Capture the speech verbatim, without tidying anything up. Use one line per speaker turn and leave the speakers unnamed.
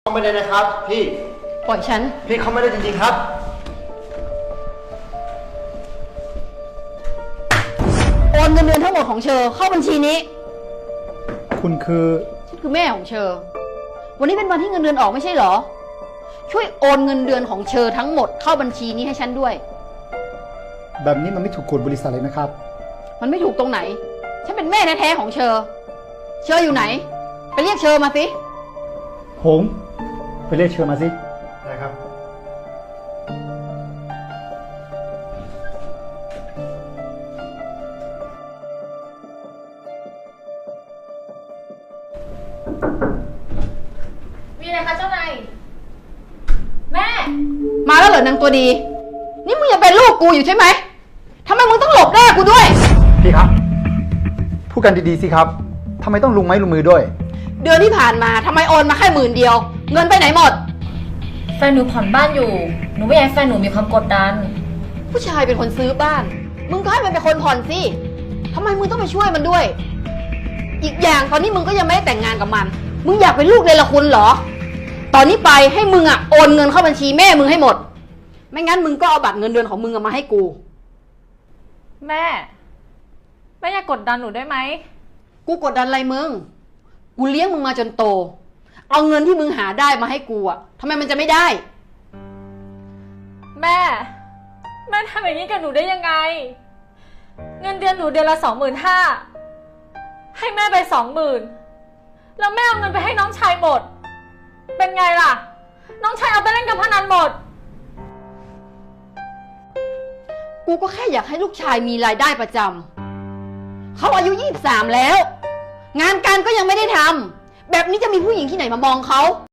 เข้าไม่ได้นะครับพี่
ปล่อยฉัน
พี่เข้าไม่ได้จริงๆครับ
โอนเงินเดือนทั้งหมดของเชอเข้าบัญชีนี้
คุณคือ
ฉันคือแม่ของเชอวันนี้เป็นวันที่เงินเดือนออกไม่ใช่เหรอช่วยโอนเงินเดือนของเชอทั้งหมดเข้าบัญชีนี้ให้ฉันด้วย
แบบนี้มันไม่ถูกกฎบริษัทเลยนะครับ
มันไม่ถูกตรงไหนฉันเป็นแม่แท้ๆของเชอเชออยู่ไหนไปเรียกเชอมาสิ
หงไปเรียกเชิญมาสิ
ได้ครับ
มีอะไรคะเจ้านายแม่
มาแล้วเหรอนางตัวดีนี่มึงยังเป็นลูกกูอยู่ใช่ไหมทำไมมึงต้องหลบหน้ากูด้วย
พี่ครับพูดกันดีๆสิครับทำไมต้องลุงไม้ลุงมือด้วย
เดือนที่ผ่านมาทำไมโอนมาแค่หมื่นเดียวเงินไปไหนหมด
แฟนหนูผ่อนบ้านอยู่หนูไม่อยากให้แฟนหนูมีความกดดัน
ผู้ชายเป็นคนซื้อบ้านมึงก็ให้มันเป็นคนผ่อนสิทำไมมึงต้องไปช่วยมันด้วยอีกอย่างตอนนี้มึงก็ยังไม่ได้แต่งงานกับมันมึงอยากเป็นลูกเนรคุณเหรอตอนนี้ไปให้มึงอ่ะโอนเงินเข้าบัญชีแม่มึงให้หมดไม่งั้นมึงก็เอาบัตรเงินเดือนของมึงมาให้กู
แม่แม่อย่ากกดดันหนูได้ไหม
กูกดดันอะไรมึงกูเลี้ยงมึงมาจนโตเอาเงินที่มึงหาได้มาให้กูอ่ะทำไมมันจะไม่ได้
แม่แม่ทำอย่างนี้กับหนูได้ยังไงเงินเดือนหนูเดือนละสองหมื่นห้าให้แม่ไปสองหมื่นแล้วแม่เอาเงินไปให้น้องชายหมดเป็นไงล่ะน้องชายเอาไปเล่นกับพนันหมด
กูก็แค่อยากให้ลูกชายมีรายได้ประจำเขาอายุยี่สิบสามแล้วงานการก็ยังไม่ได้ทำแบบนี้จะมีผู้หญิงที่ไหนมามองเขา